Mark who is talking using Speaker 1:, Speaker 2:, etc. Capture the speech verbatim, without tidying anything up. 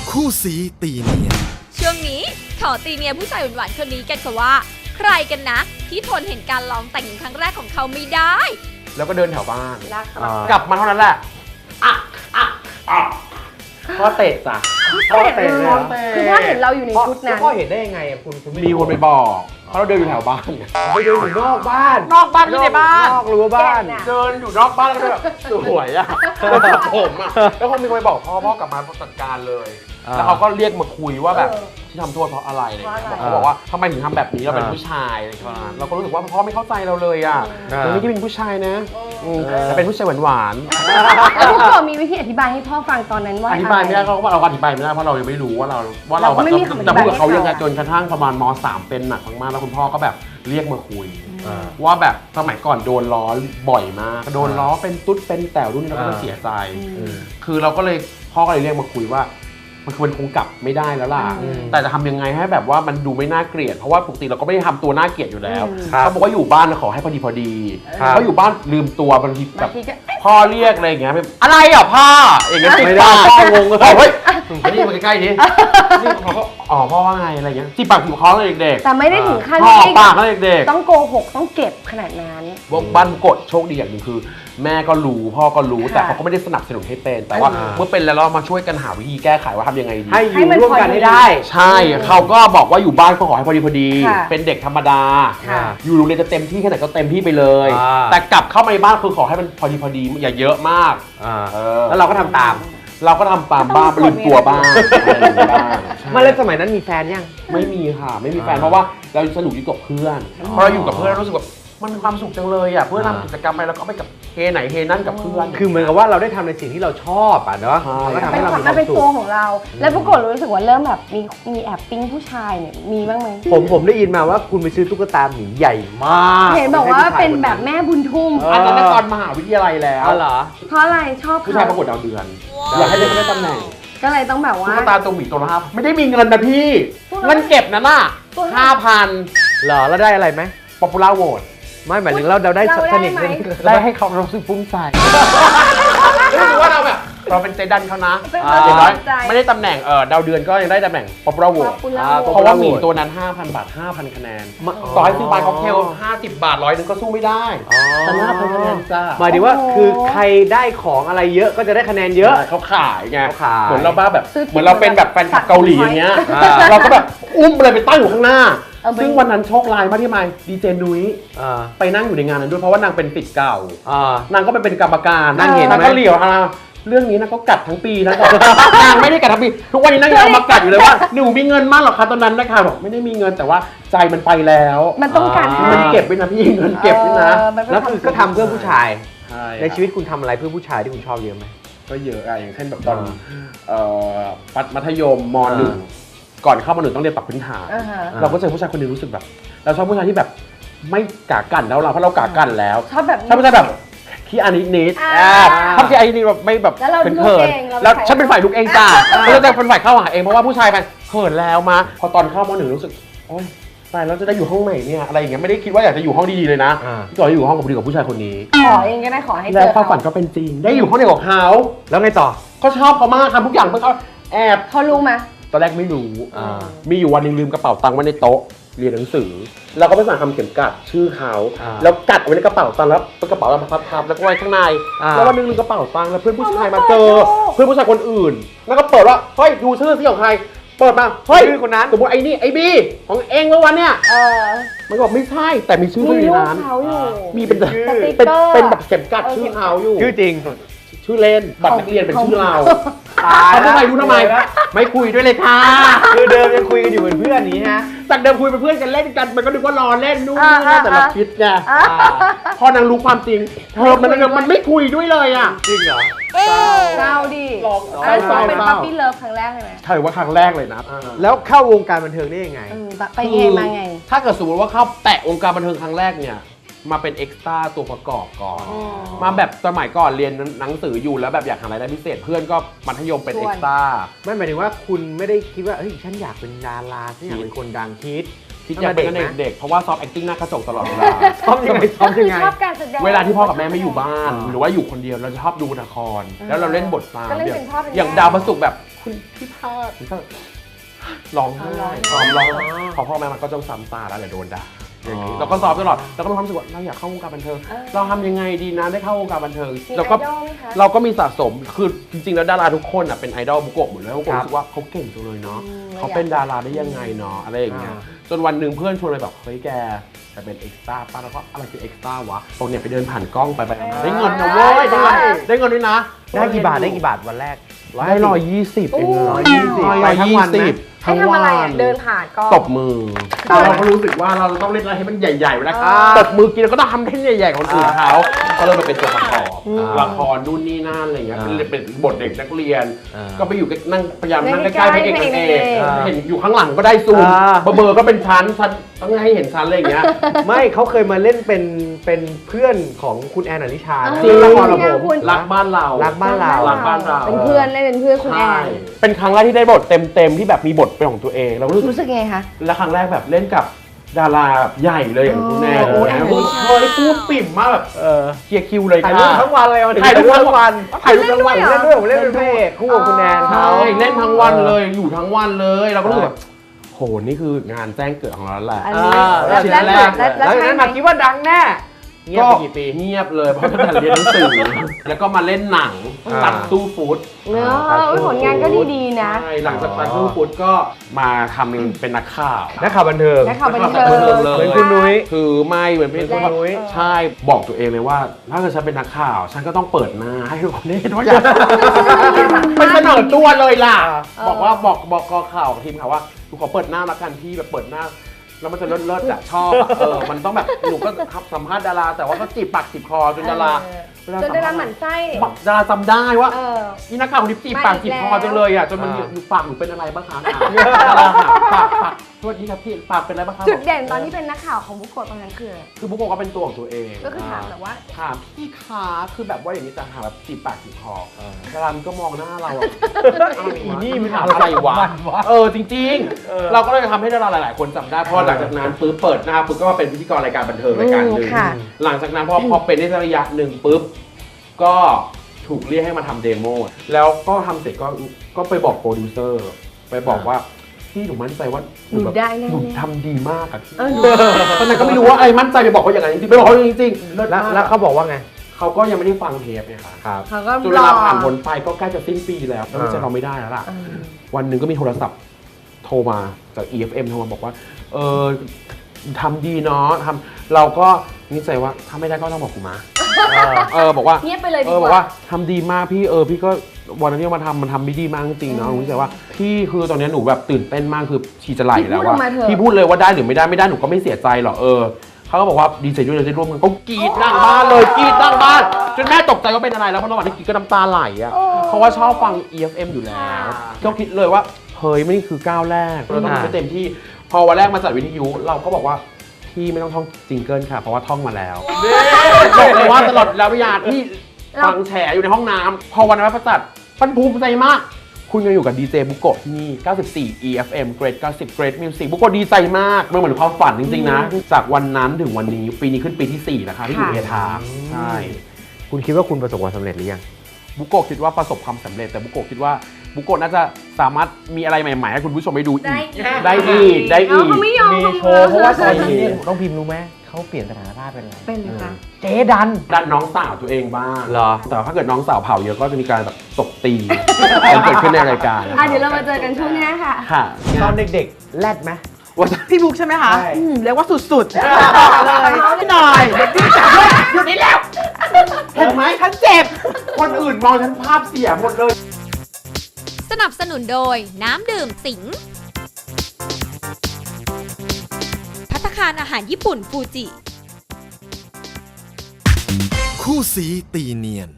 Speaker 1: คู่สีตีเนียน
Speaker 2: ช่วงนี้ขอตีเนียผู้ชายหวานๆคนนี้กันค่ะว่าใครกันนะที่ทนเห็นการลองแต่งหญิงครั้งแรกของเขาไม่ได้
Speaker 3: แล้วก็เดินแถวบ้านกลับมาเท่านั้นแหละอ่ะอ่ะอ่ะพ่อเตะจ้ะ
Speaker 4: พ่อเตะเลยคือพ่อเห็นเราอยู่ในชุดนั้น
Speaker 3: พ่อเห็นได้ยังไงอ่ะคุณมีคนไปบอกเพราะเราเดินอยู่แถวบ้านไงไปเดินอยู่นอกบ้านนอกบ้านไม่ในบ้านนอกรั้วบ้านเดินอยู่นอกบ้านแล้วก็แบบสวยอ่ะแล้วผมอ่ะแล้วคงมีคนไปบอกพ่อพ่อกลับมาจัดการเลยแล้วเขาก็เรียกมาคุยว่าแบบที่ทำโทษเพราะอะไรอะไรเงี้ยเขาบอกว่าทำไมถึงทำแบบนี้เราเป็นผู้ชายอะไรเงี้ยเราก็รู้สึกว่าพ่อไม่เข้าใจเราเลยอ่ะเราไม่ได้เป็นผู้ชายนะแต่เป็นผู้ชายหวานๆ
Speaker 4: แล้วพ่อมีวิธีอธิบายให้พ่อฟังตอนนั้นว่า
Speaker 3: อธิบายไม่ได้เขาก็เราอธิบายไม่ได้เพราะเรายังไม่รู้ว่าเราว่าเราแบบจะพูดกับเขายังไงจนกระทั่งประมาณม.สาม เป็นหนักมากแล้วคุณพ่อก็แบบเรียกมาคุยว่าแบบสมัยก่อนโดนล้อบ่อยมากโดนล้อเป็นตุ๊ดเป็นแต๋วรุ่นนี้เราก็เสียใจคือเราก็เลยพ่อก็เลยเรียกมาคุยว่ามันคือมันคงกลับไม่ได้แล้วล่ะแต่จะทำยังไงให้แบบว่ามันดูไม่น่าเกลียดเพราะว่าปกติเราก็ไม่ได้ทำตัวน่าเกลียดอยู่แล้วเขาบอกว่าอยู่บ้านขอให้พอดีพอดีเขาอยู่บ้านลืมตัวบางทีแบบพ่อเรียกอะไรอย่างเงี้ยอะไรอ่ะพ่ออย่างเงี้ยไม่ได้พ่องงเลยเฮ้ยอันนี้มาใกล้ๆนี้นี่เขาก็อ๋อพ่อว่าไงอะไรเงี้ยจีบปากจีบคอเลยเด็กๆ
Speaker 4: แต่ไม่ได้ถึงขั้น
Speaker 3: พ่อปากเลยเด็ก
Speaker 4: ๆต้องโกหกต้องเก็บขนาดนั้น
Speaker 3: ว่าบ้านกดโชคดีอย่างหนึ่งคือแม่ก็รู้พ่อก็รู้แต่เขาก็ไม่ได้สนับสนุนให้เป็นแต่ว่าเมื่อเป็นแล้วเรามาช่วยกันหาวิธีแก้ไขว่าทำยังไงดี
Speaker 4: ให้อยู่ร่วมกันให้ได้
Speaker 3: ใช่เขาก็บอกว่าอยู่บ้านก็ขอให้พอดีพอดีเป็นเด็กธรรมดาอยู่โรงเรียนจะเต็มที่แค่ไหนก็เต็มที่ไปเลยแต่กลับเข้ามาในบ้านคือขอให้มันพอดีพอดีอย่าเยอะมากแล้วเราก็ทำตามเราก็ทำตามบ้างลืมตัวบ้าง
Speaker 5: มาเล่นสมัยนั้นมีแฟนยัง
Speaker 3: ไม่มีค่ะไม่มีแฟนเพราะว่าเราสนุกอยู่กับเพื่อนพอเราอยู่กับเพื่อนรู้สึกแบบมันมีความสุขจังเลยอ่ะเพื่อนทำกิจกรรมไปแล้วก็ไปกับเฮไหนเฮนั่นกับเพื่อน
Speaker 5: คือเหมือนกับว่าเราได้ทำในสิ่งที่เราชอบอ่ะเนาะ
Speaker 4: ก็ทำให้เราเป็นตัวของเราแล้วปรากฏรู้สึกว่าเริ่มแบบมีมีแอบปิ้งผู้ชายเนี่ยมีบ้างไหม
Speaker 5: ผมผมได้ยินมาว่าคุณไปซื้อตุ๊กตาหมีใหญ่มาก
Speaker 4: เห็นบอกว่าเป็นแบบแม่บุญทุ่ม
Speaker 3: อันนั้นตอนมหาวิทยาลัยแล้ว
Speaker 5: เหรอ
Speaker 4: เพราะอะไรชอบ
Speaker 3: ผู้ชายประกวดดาวเดือนอยากให้ได้ตำแหน่ง
Speaker 4: ก็เลยต้องแบบว่า
Speaker 3: ตุ๊กตาตัวหมีตัวละห้าไม่ได้มีเงินนะพี่เงินเก็บนะน่ะห้าพัน
Speaker 5: เหรอแล้วได้อะไรไหม
Speaker 3: ป๊อปปูล่าโหวต
Speaker 5: ไม่หมายถึงเราเราได้สนิท
Speaker 3: ได้ให้เขารู้สึกภูมิใจรู้ว่าเราแบบเราเป็นใจดันเขานะอย่างน้อยไม่ได้ตำแหน่งเออดาวเดือนก็ยังได้ตำแหน่งป๊อปปูล่าโหวตเพราะว่าหมีตัวนั้น ห้าพัน บาท ห้าพัน คะแนนต่อให้ซื้อบาร์ค็อกเทลห้าสิบบาทร้อยนึงก็สู้ไม่ได้แต่ห้าพันคะแนนจ้า
Speaker 5: หมายถึงว่าคือใครได้ของอะไรเยอะก็จะได้คะแนนเยอะ
Speaker 3: เขาขายไงเหมือนเราบ้าแบบเหมือนเราเป็นแบบแฟนคลับเกาหลีอย่างเงี้ยเราก็แบบอุ้มอะไรไปตั้งอยู่ข้างหน้าซึ่งวันนั้นโชคร้ายมากที่ไมดีเจนุ้ยไปนั่งอยู่ในงานนั้นด้วยเพราะว่านางเป็นศิษย์เก่านางก็ไปเป็นกรรมการนางเห็นก็เหลียวอ่ะเรื่องนี้นางก็กัดทั้งปีนะนางไม่ได้กัดทั้งปีทุกวันนี้นางยังเอามากัดอยู่เลยว่าหนูมีเงินมากหรอคะตอนนั้นนะคะบอกไม่ได้มีเงินแต่ว่าใจมันไปแล้ว
Speaker 4: มันต้องการ
Speaker 3: มันเก็บไว้นะพี่เงินเก็บไว้นะ
Speaker 5: แล้วคือก็ทำเพื่อผู้ชายในชีวิตคุณทำอะไรเพื่อผู้ชายที่คุณชอบเยอะไหม
Speaker 3: ก็เยอะอะอย่างเช่นแบบตอนมัธยมม.หนึ่งก่อนเข้ามาหนึ่งต้องเรียนปรับพื้นฐานเราก็เจอผู้ชายคนนึงรู้สึกแบบเราชอบผู้ชายที่แบบไม่กากันแล้วเราเพราะเรากากันแล้ว
Speaker 4: ชอบแบบ
Speaker 3: ชอบผู้ชายแบบขี้อานิดนิดชอบขี้อานิดนิดแบบไม่แบบเป็นเขินแล้วฉันเป็นฝ่ายลุกเองจ้าแล้วจะเป็นฝ่ายเข้าหาเองเพราะว่าผู้ชายไปเขินแล้วมาพอตอนเข้ามหนึ่งรู้สึกโอ๊ยตายแล้วจะได้อยู่ห้องไหนเนี่ยอะไรอย่างเงี้ยไม่ได้คิดว่าอยากจะอยู่ห้องดีๆเลยนะก่อนจะอยู่ห้องกับผู้ผู้ชายคนนี้
Speaker 4: ขอเองก็ได้ขอให้เจอ
Speaker 3: แล้วความฝันก็เป็นจริงได้อยู่ห้องเดียวกับเขา
Speaker 5: แล้วไงต่อ
Speaker 3: ก็ชอบเขามากทำทุกอย่างเพื่อเขาแอบ
Speaker 4: เขารู้ไหม
Speaker 3: ตอนแรกไม่รู้มีอยู่วันนึงลืมกระเป๋าตังค์ไว้ในโต๊ะเรียนหนังสือเราก็ไปสั่งทำเข็มกัดชื่อเขาแล้วกัดไว้ในกระเป๋าตังค์แล้วเป็นกระเป๋าเราพับๆแล้วก็ไว้ข้างในแล้ววันนึงลืมกระเป๋าตังค์แล้วเพื่อนผู้ชายมาเจอเพื่อนผู้ชายคนอื่นแล้วก็เปิดว่าเฮ้ยดูชื่อสิของใครเปิดมาเฮ้ย
Speaker 5: ชื่อคนนั้น
Speaker 3: สมมติไอ้นี่ไอ้บีของเองเมื่อวันเนี้ยมันบอกไม่ใช่แต่มีชื่อในนั้นมีเป็นเป็นเป็นแบบเข็มกัดชื่อเขาอยู่
Speaker 5: ชื่อจริง
Speaker 3: ชื่อเล่นบัตรนักเรียนเป็นชื่อเราเขาทำไมรู้ทำไมไม่คุยด้วยเลยค่ะ
Speaker 5: คือเดิมยังคุยกันอยู่เป็นเพื่อนนี้ฮะ
Speaker 3: จากเดิมคุยเป็นเพื่อนกันเล่นกันมันก็นึกว่ารอเล่นนู่นนี่นั่นแต่เราคิดไงพอนางรู้ความจริงเธอมันมันไม่คุยด้วยเลยอ่ะ
Speaker 5: จริงเหรอ
Speaker 4: เศร้าดิอันนี้เป็นปั๊ปปี้เลิฟครั้งแรกเลยไหม
Speaker 3: ใช่ว่าครั้งแรกเลยนะ
Speaker 5: แล้วเข้าวงการบันเทิงได้ยังไง
Speaker 4: ไปไงมาไง
Speaker 3: ถ้าเกิดสมมติว่าเข้าแตะวงการบันเทิงครั้งแรกเนี่ยมาเป็นเอ็กซ์ตร้าตัวประกอบก่อนมาแบบสมัยก่อนเรียนหนังสืออยู่แล้วแบบอยากหารายได้พิเศษเพื่อนก็มัธยมเป็นเอ็กซ์ตร้า
Speaker 5: ไม่หมายถึงว่าคุณไม่ได้คิดว่าเฮ้ยฉันอยากเป็นดาราฉันอยากเป็นคนดังคิด
Speaker 3: คิดอยากเป็นเด็กๆเพราะว่าซ้อม acting หน้ากระจกตลอดเวลา
Speaker 5: ซ้อมยังไงซ้อมยังไง
Speaker 3: เวลาที่พ่อกับแม่ไม่อยู่บ้านหรือว่าอยู่คนเดียวเราจะชอบดูละครแล้วเราเล่นบทตามอย่างดาวพระศุกร์แบบคุณพี่พาดก็ร้องไห้ร้องร้องพอพ่อแม่มันก็ต้องซ้ำตาแล้วเดี๋ยวโดนด่าอย่างนี้เราก็สอบตลอดเราก็มีความรู้สึกว่าเราอยากเข้าวงการบันเทิงเราทำยังไงดีนะได้เข้าวงการบันเทิงเราก็เราก็มีสะสมคือจริงๆแล้วดาราทุกคนอ่ะเป็นไอดอลบุโกะหมดเลยบุโกะรู้สึกว่าเขาเก่งจังเลยเนาะเขาเป็นดาราได้ยังไงเนาะอะไรอย่างเงี้ยจนวันหนึ่งเพื่อนชวนไปแบบเฮ้ยแกแต่เป็นเอ็กซ์ต้าป้าแล้วก็อะไรคือเอ็กซ์ต้าวะตรงเนี่ยไปเดินผ่านกล้องไปไปได้เงินนะเว้ยได้เงินได้เงินด้วยนะ
Speaker 5: ได้กี่บาทได้กี่บาทวันแรก
Speaker 3: ได้ร้อยยี่สิบเอง
Speaker 5: ร้อยยี่สิบ
Speaker 3: ร้อย
Speaker 5: ไปทั้ง
Speaker 3: ยี่
Speaker 5: วันไหม
Speaker 3: สิบ
Speaker 4: ให้ทำอะไรอ่ะเดินผ่านก็
Speaker 3: ตบมือเราก็รู้สึกว่าเราต้องเล่นอะไรให้มันใหญ่ๆเวลาตบมือกินเราก็ต้องทำให้ใหญ่ๆของคนอื่นเขาก็เลยมาเป็นตัวประกอบละครนู่นนี่นั่นอะไรเงี้ยเป็นบทเด็กนักเรียน ก็ไปอยู่นั่งพยายามนั่งใกล้ๆพระเอกนางเอกเห็นอยู่ข้างหลังก็ได้ซูมเบอร์ก็เป็นชั้นชั้นต้องให้เห็นชั้นอะไรอย่างเงี้ย
Speaker 5: ไม่เขาเคยมาเล่นเป็นเป็นเพื่อนของคุณแอนอลิชานะ
Speaker 3: จริงละครเรา
Speaker 4: จริง
Speaker 3: ผ
Speaker 4: อะ
Speaker 3: ม
Speaker 4: คุณ
Speaker 3: รักบ้านเรา
Speaker 5: รักบ้านเรา
Speaker 3: รักบ้านเรา
Speaker 4: เป็นเพื่อนเล่นเป็นเพื่อนคุณแอ
Speaker 3: ใช่
Speaker 4: น
Speaker 3: เป็นครั้งแรกที่ได้บทเต็มๆที่แบบมีบทเป็นของตัวเองเรารู้สึก
Speaker 4: รู้สึกไงคะ
Speaker 3: และครั้งแรกแบบเล่นกับดาราแบบใหญ่เลยอย่างคุณแม่
Speaker 4: โอ้
Speaker 3: โอ้
Speaker 4: ย
Speaker 3: ย
Speaker 4: โอ้ย
Speaker 3: เฮ้ยพูดปิ่มมากแบบ
Speaker 5: เออ
Speaker 3: เคลียร์คิวเลย
Speaker 5: ถ่ายรูปทั้งวันเลยวันนี้
Speaker 3: ถ่ายรูปทั้งวัน
Speaker 5: ถ่ายรูปทั้งวันเล่นด้วยผมเล่นเป็นพระเอกคู่กับคุณแอน
Speaker 3: ใช่
Speaker 5: เขา
Speaker 3: เล่นทั้งวันเลยอยู่ทั้งวันเลยเราก็รู้สึกแบบโหนี่คืองานแจ้งเกิดของเราแล้วแหละ
Speaker 4: อันนี้
Speaker 5: อ่า
Speaker 4: แล้ว
Speaker 3: ชิ้น
Speaker 4: แล้ว
Speaker 3: แรก
Speaker 4: แล้ว
Speaker 5: แล้ว
Speaker 4: แล้ว
Speaker 5: จาก
Speaker 4: ใช่
Speaker 5: นั้น
Speaker 4: ไหม
Speaker 5: มาคิดว่าดังแน่เงียบไปกี่ปี
Speaker 3: เงียบเลยเพราะตั้งแต่เรียนหนังสือแล้วก็มาเล่นหนัง
Speaker 5: อ่า
Speaker 3: ตัดตู้ฟู้ด
Speaker 4: เนอะเอ้ยผลงานก็ดีๆนะ
Speaker 3: ใช่หลังจากตัดตู้ฟู้ดก็มาทำเป็นนักข่าว
Speaker 5: นักข่าวบันเทิง
Speaker 4: นักข่าวบันเทิง
Speaker 3: นักข่าวบันเทิงเลย
Speaker 5: เหมือนคุณนุ้ย
Speaker 3: คือไม่เหมือนเป็น
Speaker 5: เหมือนคุณนุ้ย
Speaker 3: ใช่บอกตัวเองเลยว่า ถ้าเกิดฉันเป็นนักข่าว ฉันก็ต้องเปิดหน้าให้ทุกคนได้เห็นว่าอยากไปเสนอตัวเลยล่ะ
Speaker 4: เออ
Speaker 3: บอกว่าบอกบอกกอข่าวทีมข่าวว่าหนูขอเปิดหน้าละกันพี่แบบเปิดหน้า แล้วมันจะเลิศเลิศอะชอบอะเออมันต้องแบบหนูก็สัมภาษณ์ดารา แต่ว่าก็จีบปากจีบคอจนดารา
Speaker 4: จนดาราหมั่นไส้
Speaker 3: ดาราจำได้ว่า
Speaker 4: เออ
Speaker 3: อีนักข่าวคนนี้จีบปากจีบคอ
Speaker 4: มาอีกแล้ว
Speaker 3: จังเลยอ่ะจนมัน
Speaker 5: อ่า
Speaker 3: อยู่ปากหนูเป็นอะไรบ้างคะดาราหาปากปากสวัสดีครับพี่ปากเป็นอะไรบ้างคะ
Speaker 4: จุดเด่นตอนที่เป็นนักข่าวของบุกโกะตอนนั้นคืออะไร
Speaker 3: คือบุ๊กบอกว่าเป็นตัวของตัวเอง
Speaker 4: ก็คือถามแบบว่า
Speaker 3: ถามพี่คะคือแบบว่าอย่างนี้จะถามแบบจีบปากจีบคอดารามันก็มองหน้าเราอะ
Speaker 5: อีนี่มัน
Speaker 3: ถามอะไรวะ
Speaker 5: มันวะ
Speaker 3: เออจริง
Speaker 5: เออ
Speaker 3: ๆ เราก็เลยทำให้ดาราหลาย ๆ คนจำได้เพราะหลังจากนั้นปุ๊บเปิดหน้าปุ๊บก็มาเป็นพิธีกรรายการบันเทิงรายการหนึ่ง
Speaker 4: อืมค่ะ
Speaker 3: หลังจากนั้นพอพอเป็นได้สักระยะหนึ่งปุ๊บก็ถูกเรียกให้มาทำเดโมแล้วก็ทำเสร็จก็ก็ไปบอกโปรดิวเซอร์ไปบอกว่าพี่หนูมั่นใจว่า
Speaker 4: หนู
Speaker 3: แบบ
Speaker 4: ได้แน่ๆ
Speaker 3: หนูทำดีมากอะพี่
Speaker 4: เออ
Speaker 3: ตอนนั้นก็ไม่รู้ว่าไอ้มั่นใจไปบอกเขาอย่างไรจริงๆไปบอกเขาจริงๆเลิศ
Speaker 5: แล้ว
Speaker 3: มาก
Speaker 5: แล้วเขาบอกว่าไง
Speaker 3: เขาก็ยังไม่ได้ฟังเทปไงคะ
Speaker 5: ครับ
Speaker 4: เขาก็
Speaker 3: จนเวลาผ่านพ้นไปก็ใกล้จะสิ้นปีแล้วแล้วจะเราไม่ได้แล้วล่ะ
Speaker 4: เออ
Speaker 3: วันหนึ่งก็มีโทรศัพท์โทรมาจาก อี เอฟ เอ็ม โทรมาบอกว่าเออทำดีเนาะทำเราก็นิสัยว่าถ้าไม่ได้ก็ต้องบอกกูมาเออบอกว่า
Speaker 4: เงียบไปเลย
Speaker 3: เอ
Speaker 4: ดี
Speaker 3: อก บอก
Speaker 4: ว่า
Speaker 3: ว่าทำดีมากพี่เออพี่ก็วันนั้นที่มาทำมันทำไม่ดีมากจริงๆเนาะหนูรู้สึกว่าพี่คือตอนนี้หนูแบบตื่นเต้นมากคือชีจะไหลแล้วว่าพี่พูดเลยว่าได้หรือไม่ได้ไม่ได้หนูก็ไม่เสียใจหรอกเออเขาก็บอกว่าดีใจด้วยเลยที่ร่วมกันเขากรีดนั่งบ้านเลยกรีดนั่งบ้านจนแม่ตกใจว่าเป็นอะไรแล้วเพราะระหว่างที่กรีดก็น้ำตาไหลอ่ะเพราะว่าชอบฟัง อี เอฟ เอ็ม อยู่แล้วก็คิดเลยว่าเฮ้ยไม่นี่คือก้าวแรกเราต้องทำให้เต็มที่พอวันแรกมาจัดวิทยุเราก็บอกว่าพี่ไม่ต้องท่องจิงเกิลค่ะเพราะว่าท่องมาแล้วบอกเลยว่าตลอดระยะที่ฟังแฉอยู่ในห้องน้ำพอวันนั้นประจัดมันภูมิใจมาก คุณยังอยู่กับดีเจบุโกะที่นี่ เก้าสิบสี่ อี เอฟ เอ็ม Great เก้าสิบ Great Music บุโกะดีใจมากมันเหมือนความฝันจริงๆนะ จากวันนั้นถึงวันนี้ปีนี้ขึ้นปีที่สี่นะคะที่อยู่เอทาใช่
Speaker 5: คุณคิดว่าคุณประสบความสำเร็จหรือยัง
Speaker 3: บุโกะคิดว่าประสบความสำเร็จแต่บุโกะคิดว่าบุโกะน่าจะสามารถมีอะไรใหม่ๆให้คุณผู้ชมไปดูอีก
Speaker 4: ได้อีก
Speaker 3: ได้อีกได้
Speaker 4: เอา
Speaker 3: อีก
Speaker 4: เขาไม่ยอม
Speaker 5: มี
Speaker 4: เขา
Speaker 5: โชว์เพราะว่าตอน
Speaker 4: เ
Speaker 5: นี้เนี่ยต้องพิมพ์รู้ไหมเขาเปลี่ยนสถานะภาพเป็นอะไร
Speaker 4: เป็นเลยค่ะ
Speaker 5: เจ๊ดัน
Speaker 3: ดันน้องสาวตัวเองบ้าง
Speaker 5: เหรอ
Speaker 3: แต่ถ้าเกิดน้องสาวเผาเยอะก็จะมีการแบบตบตีกันเกิดขึ้นในรายการ
Speaker 4: อ่ะเดี๋ยวเรามาเจอกันช่วงหน้าค่ะ
Speaker 3: ค่ะ
Speaker 5: ตอนเด็กๆแรดไหม
Speaker 3: ว่า
Speaker 1: พี่บุ๊กใช่ไหมคะ
Speaker 5: ใช่
Speaker 1: อืมเรียกว่าสุดๆเลยพี่หน่อยเดี๋ยวพี่จับด้วย
Speaker 3: อยู่นี่แล้วเห็นไหม
Speaker 1: ฉันเจ็บ
Speaker 3: คนอื่นมองฉันภาพเสียหมดเลย
Speaker 2: สนับสนุนโดยน้ำดื่มสิงห์ภัตตาคารอาหารญี่ปุ่นฟูจิ
Speaker 6: คู่สีตีเนียน